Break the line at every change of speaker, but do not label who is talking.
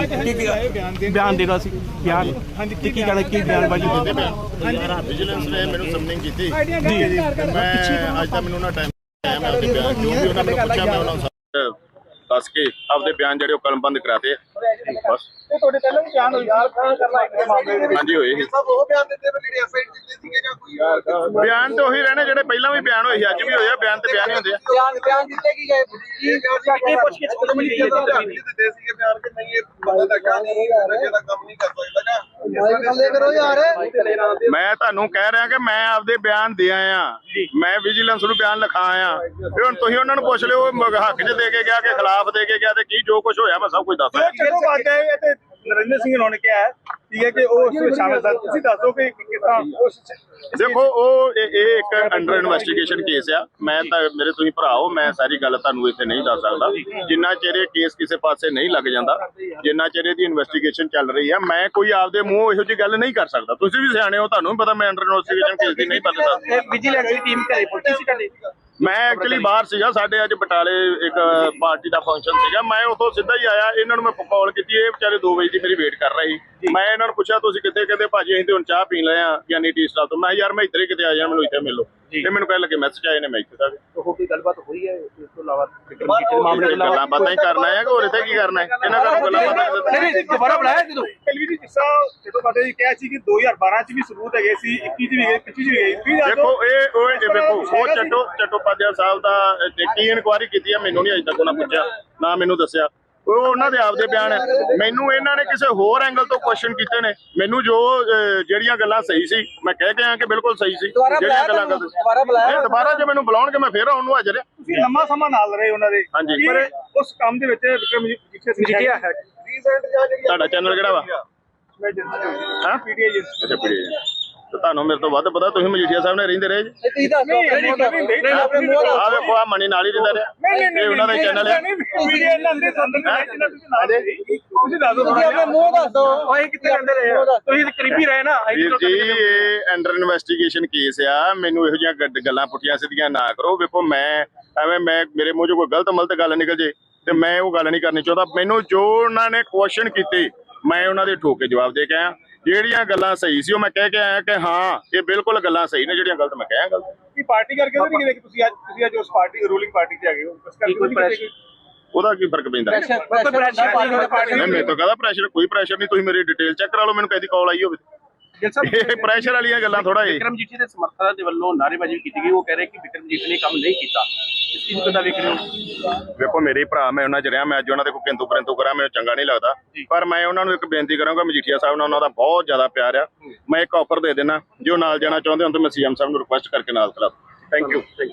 ਬਿਆਨ ਦੇਣਾ ਸੀ। ਬਿਆਨ ਕੀ ਕਹਿਣਾ, ਕੀ ਬਿਆਨਬਾਜ਼ੀ
ਵਿਜੀਲੈਂਸ ਨੇ ਮੈਨੂੰ ਸਮਨਿੰਗ ਕੀਤੀ ਮੈਂ ਅੱਜ ਤਾਂ ਮੈਨੂੰ ਨਾ ਟਾਈਮ ਮੈਂ ਉਹਦੇ ਬਿਆਨ ਜੋ ਵੀ ਉਹਨਾਂ ਮੈਨੂੰ ਪੁੱਛਿਆ ਮੈਂ ਉਹਨਾਂ ਨੂੰ ਦੱਸ ਕੇ ਆਪਦੇ ਬਿਆਨ ਜਿਹੜੇ ਉਹ ਕਲਮਬੰਦ ਕਰਾਤੇ ਬਸ।
ਤੁਹਾਡੇ ਪਹਿਲਾਂ ਵੀ ਬਿਆਨ ਹੋਈ
ਹਾਂਜੀ ਹੋਏ ਸੀ ਬਿਆਨ ਤੇ ਉਹੀ ਰਹਿਣੇ ਜਿਹੜੇ ਪਹਿਲਾਂ ਵੀ ਬਿਆਨ ਹੋਏ ਸੀ, ਅੱਜ ਵੀ ਹੋਏ ਆ ਬਿਆਨ ਤੇ ਬਿਆਨ ਹੀ ਹੁੰਦੇ ਆ।
ਬਿਆਨ ਦਿੱਤੇ ਕੀ ਗਏ ਕੀ ਪੁੱਛ ਕੇ ਦਿੱਤੇ ਸੀਗੇ ਬਿਆਨ ਕਿ ਨਹੀਂ ਇਹ ਬੰਦਾ ਤਾਂ ਨਸ਼ੇ ਦਾ ਕੰਮ ਨਹੀਂ ਕਰ ਸਕਦਾ।
ਮੈਂ ਤੁਹਾਨੂੰ ਕਹਿ ਰਿਹਾ ਕਿ ਮੈਂ ਆਪਦੇ ਬਿਆਨ ਦੇ ਆਇਆ, ਮੈਂ ਵਿਜੀਲੈਂਸ ਨੂੰ ਬਿਆਨ ਲਿਖਾ ਆਇਆ। ਹੁਣ ਤੁਸੀਂ ਉਹਨਾਂ ਨੂੰ ਪੁੱਛ ਲਿਓ ਹੱਕ 'ਚ ਦੇ ਕੇ ਗਿਆ ਕਿ ਖਿਲਾਫ ਦੇ ਕੇ ਗਿਆ ਤੇ ਕੀ ਜੋ ਕੁਝ ਹੋਇਆ ਮੈਂ ਸਭ ਕੁਝ ਦੱਸ
ਦਿਆਂ। ਨਰਿੰਦਰ ਸਿੰਘ ਨੇ ਕਿਹਾ ਹੈ ਕਿ ਉਹ ਸ਼ਾਮਿਲ ਸਨ, ਤੁਸੀਂ ਦੱਸੋ ਕਿ ਕਿਸ ਤਰ੍ਹਾਂ।
ਦੇਖੋ ਉਹ ਇਹ ਇੱਕ ਅੰਡਰ ਇਨਵੈਸਟੀਗੇਸ਼ਨ ਕੇਸ ਆ। ਮੈਂ ਤਾਂ ਮੇਰੇ ਤੁਸੀਂ ਭਰਾ ਹੋ, ਮੈਂ ਸਾਰੀ ਗੱਲ ਤੁਹਾਨੂੰ ਇੱਥੇ ਨਹੀਂ ਦੱਸ ਸਕਦਾ। ਜਿੰਨਾ ਚਿਰ ਇਹ ਕੇਸ ਕਿਸੇ ਪਾਸੇ ਨਹੀਂ ਲੱਗ ਜਾਂਦਾ, ਜਿੰਨਾ ਚਿਰ ਇਹਦੀ ਇਨਵੈਸਟੀਗੇਸ਼ਨ ਚੱਲ ਰਹੀ ਆ, ਮੈਂ ਕੋਈ ਆਪਦੇ ਮੂੰਹ ਇਹੋ ਜਿਹੀ ਗੱਲ ਨਹੀਂ ਕਰ ਸਕਦਾ। ਤੁਸੀਂ ਵੀ ਸਿਆਣੇ ਹੋ, ਤੁਹਾਨੂੰ ਵੀ ਪਤਾ ਮੈਂ ਅੰਡਰ ਇਨਵੈਸਟੀਗੇਸ਼ਨ ਕੇਸ ਦੀ ਨਹੀਂ ਪਤਾ ਸਕਦਾ।
ਵਿਜੀਲੈਂਸ ਦੀ ਟੀਮ ਘਰੇ ਪਹੁੰਚੀ ਸੀ ਤੁਹਾਡੇ?
ਮੈਂ ਐਕਚੁਅਲੀ ਬਾਹਰ ਸੀਗਾ, ਸਾਡੇ ਅੱਜ ਬਟਾਲੇ ਇੱਕ ਪਾਰਟੀ ਦਾ ਫੰਕਸ਼ਨ ਸੀਗਾ। ਮੈਂ ਉੱਥੋਂ ਸਿੱਧਾ ਹੀ ਆਇਆ, ਇਹਨਾਂ ਨੂੰ ਮੈਂ ਕਾਲ ਕੀਤੀ, ਇਹ ਵਿਚਾਰੇ 2 ਵਜੇ ਦੀ ਮੇਰੀ ਵੇਟ ਕਰ ਰਹੇ ਸੀ। ਮੈਂ ਇਹਨਾਂ ਨੂੰ ਪੁੱਛਿਆ ਤੁਸੀਂ ਕਿੱਥੇ, ਕਹਿੰਦੇ ਭਾਜੀ ਅਸੀਂ ਤੇ ਹੁਣ ਚਾਹ ਪੀਣ ਲਏ ਆ ਯਾਨੀ ਟੀ ਸਟਾਲ ਤੋਂ। ਮੈਂ ਯਾਰ ਮੈਂ ਇੱਧਰ ਹੀ ਕਿਤੇ ਆ ਜਾ, ਮੈਨੂੰ ਇੱਥੇ ਮਿਲੋ। ਤੇ ਮੈਨੂੰ ਕਹਿਣ ਲੱਗੇ ਮੈਸੇਜ ਆਏ ਨੇ, ਮੈਂ ਇੱਥੇ ਦਾ
ਕੋਈ ਗੱਲਬਾਤ ਹੋਈ ਹੈ ਇਸ ਤੋਂ ਇਲਾਵਾ
ਮਾਮਲੇ ਗੱਲਾਂ ਬਾਤਾਂ ਹੀ ਕਰਨਾ ਹੈ ਕਿ ਹੋਰ ਇੱਥੇ ਕੀ ਕਰਨਾ ਹੈ? ਇਹਨਾਂ ਦਾ ਗੱਲਾਂ ਬਾਤਾਂ
ਦੁਬਾਰਾ ਬੁਲਾਇਆ ਜਦੋਂ
ਜਦੋਂ ਸਾਡੇ ਜੀ ਕਿਹਾ ਸੀ ਕਿ 2012 ਚ ਵੀ ਸਬੂਤ ਹੈਗੇ ਸੀ, 21 ਚ ਵੀ ਗਏ, 25 ਚ ਵੀ ਗਏ।
ਦੇਖੋ ਇਹ ਵੇਖੋ ਉਹ ਚਟੋਪਾਧਿਆਏ ਸਾਹਿਬ ਦਾ ਕੀ ਇਨਕੁਆਇਰੀ ਕੀਤੀ ਹੈ ਮੈਨੂੰ ਨਹੀਂ ਅਜੇ ਤੱਕ ਉਹਨਾਂ ਪੁੱਛਿਆ, ਨਾ ਮੈਨੂੰ ਦੱਸਿਆ। ਉਹ ਉਹਨਾਂ ਦੇ ਆਪਦੇ ਬਿਆਨ ਹੈ। ਮੈਨੂੰ ਇਹਨਾਂ ਨੇ ਕਿਸੇ ਹੋਰ ਐਂਗਲ ਤੋਂ ਕੁਐਸਚਨ ਕੀਤੇ ਨੇ। ਮੈਨੂੰ ਜੋ ਜਿਹੜੀਆਂ ਗੱਲਾਂ ਸਹੀ ਸੀ ਮੈਂ ਕਹਿ ਕੇ ਆਇਆ ਕਿ ਬਿਲਕੁਲ ਸਹੀ ਸੀ। ਜਿਹੜੀਆਂ ਗੱਲਾਂ ਦੁਬਾਰਾ ਜੇ ਮੈਨੂੰ ਬੁਲਾਉਣਗੇ ਮੈਂ ਫੇਰ ਆਉਣ ਨੂੰ ਹਾਜ਼ਰ ਹਾਂ।
ਤੁਸੀਂ ਲੰਮਾ ਸਮਾਂ ਨਾਲ ਰਹੇ ਉਹਨਾਂ ਦੇ।
ਹਾਂਜੀ,
ਪਰ ਉਸ ਕੰਮ ਦੇ ਵਿੱਚ
ਮਜੀਠੀਆ ਹੈ।
ਤੁਹਾਡਾ ਚੈਨਲ ਕਿਹੜਾ ਵਾ? ਹਾਂ
ਪੀਟੀਆਈ।
ਅੱਛਾ ਪੀਟੀਆਈ। ਤੇ ਤੁਹਾਨੂੰ ਮੇਰੇ ਤੋਂ ਵੱਧ ਪਤਾ, ਤੁਸੀਂ ਮਜੀਠੀਆ ਸਾਹਿਬ ਨੇ ਰਹਿੰਦੇ ਰਹੇ ਜੀ। ਆਹ ਵੇਖੋ ਆ ਮਣੀ ਨਾਲ ਹੀ ਰਹਿੰਦਾ ਰਿਹਾ, ਇਹ ਉਹਨਾਂ ਦਾ ਚੈਨਲ ਹੈ।
ਤੁਸੀਂ ਕਰੀਬੀ ਰਹੇ ਨਾ
ਵੀਰ ਜੀ, ਇਹ ਅੰਡਰ ਇਨਵੈਸਟੀਗੇਸ਼ਨ ਕੇਸ ਆ। ਮੈਨੂੰ ਇਹੋ ਜਿਹੀਆਂ ਗੱਲਾਂ ਪੁੱਠੀਆਂ ਸਿੱਧੀਆਂ ਨਾ ਕਰੋ। ਵੇਖੋ ਮੈਂ ਐਵੇਂ ਮੇਰੇ ਮੂੰਹ 'ਚੋਂ ਕੋਈ ਗਲਤ ਮਲਤ ਗੱਲ ਨਿਕਲ ਜੇ ਤੇ ਮੈਂ ਉਹ ਗੱਲ ਨਹੀਂ ਕਰਨੀ ਚਾਹੁੰਦਾ। ਮੈਨੂੰ ਜੋ ਉਹਨਾਂ ਨੇ ਕੁਐਸਚਨ ਕੀਤੇ ਮੈਂ ਉਹਨਾਂ ਦੇ ਠੋਕ ਕੇ ਜਵਾਬ ਦੇ ਕੇ ਆਇਆ। ਜਿਹੜੀਆਂ ਗੱਲਾਂ ਸਹੀ ਸੀ ਉਹ ਮੈਂ ਕਹਿ ਕੇ ਆਇਆ ਕਿ ਹਾਂ ਇਹ ਬਿਲਕੁਲ ਗੱਲਾਂ ਸਹੀ ਨੇ, ਜਿਹੜੀਆਂ ਗਲਤ ਮੈਂ ਕਿਹਾ ਗਲਤ।
ਕੀ ਪਾਰਟੀ ਕਰਕੇ ਨਹੀਂ ਕਿਹਾ ਕਿ ਤੁਸੀਂ ਅੱਜ ਉਸ ਪਾਰਟੀ ਰੂਲਿੰਗ ਪਾਰਟੀ 'ਚ ਹੈਗੇ ਹੋ, ਇਸ ਕਰਕੇ
ਉਹਦਾ ਕੀ ਫਰਕ ਪੈਂਦਾ? ਨਹੀਂ ਮੇਰੇ ਤੋਂ ਕਾਹਦਾ ਪ੍ਰੈਸ਼ਰ, ਕੋਈ ਪ੍ਰੈਸ਼ਰ ਨਹੀਂ। ਤੁਸੀਂ ਮੇਰੀ ਡਿਟੇਲ ਚੈੱਕ ਕਰਾ ਲਓ, ਮੈਨੂੰ ਕਦੀ ਕਾਲ ਆਈ ਹੋਵੇ। ਇਹ ਪ੍ਰੈਸ਼ਰ ਵਾਲੀਆਂ ਗੱਲਾਂ ਥੋੜਾ ਇਹ।
ਵਿਕਰਮ ਜੀਠੀ ਦੇ ਸਮਰਥਕਾਂ ਦੇ ਵੱਲੋਂ ਨਾਅਰੇਬਾਜ਼ੀ ਕੀਤੀ ਗਈ, ਉਹ ਕਹਿ ਰਹੇ ਕਿ ਵਿਕਰਮ ਜੀਠੀ ਨੇ ਕੰਮ ਨਹੀਂ ਕੀਤਾ। ਇਸ ਚੀਜ਼ ਨੂੰ ਕਿੱਦਾਂ ਵੇਖ ਰਹੇ ਹੋ?
ਵੇਖੋ ਮੇਰੇ ਭਰਾ, ਮੈਂ ਉਹਨਾਂ 'ਚ ਰਿਹਾ, ਮੈਂ ਅੱਜ ਉਹਨਾਂ ਦੇ ਕੋਈ ਕਿੰਤੂ ਪਰੰਤੂ ਕਰਾਂ ਮੈਨੂੰ ਚੰਗਾ ਨਹੀਂ ਲੱਗਦਾ। ਪਰ ਮੈਂ ਉਹਨਾਂ ਨੂੰ ਇੱਕ ਬੇਨਤੀ ਕਰਾਂਗਾ, ਮਜੀਠੀਆ ਸਾਹਿਬ ਨਾਲ ਉਹਨਾਂ ਦਾ ਬਹੁਤ ਜ਼ਿਆਦਾ ਪਿਆਰ ਆ। ਮੈਂ ਇੱਕ ਆਫਰ ਦੇ ਦੇਣਾ, ਜੇ ਉਹ ਨਾਲ ਜਾਣਾ ਚਾਹੁੰਦੇ ਹੋ ਤਾਂ ਮੈਂ ਸੀਐਮ ਸਾਹਿਬ ਨੂੰ ਰਿਕੁਐਸਟ ਕਰਕੇ ਨਾਲ ਖਿਲਾ। Thank you.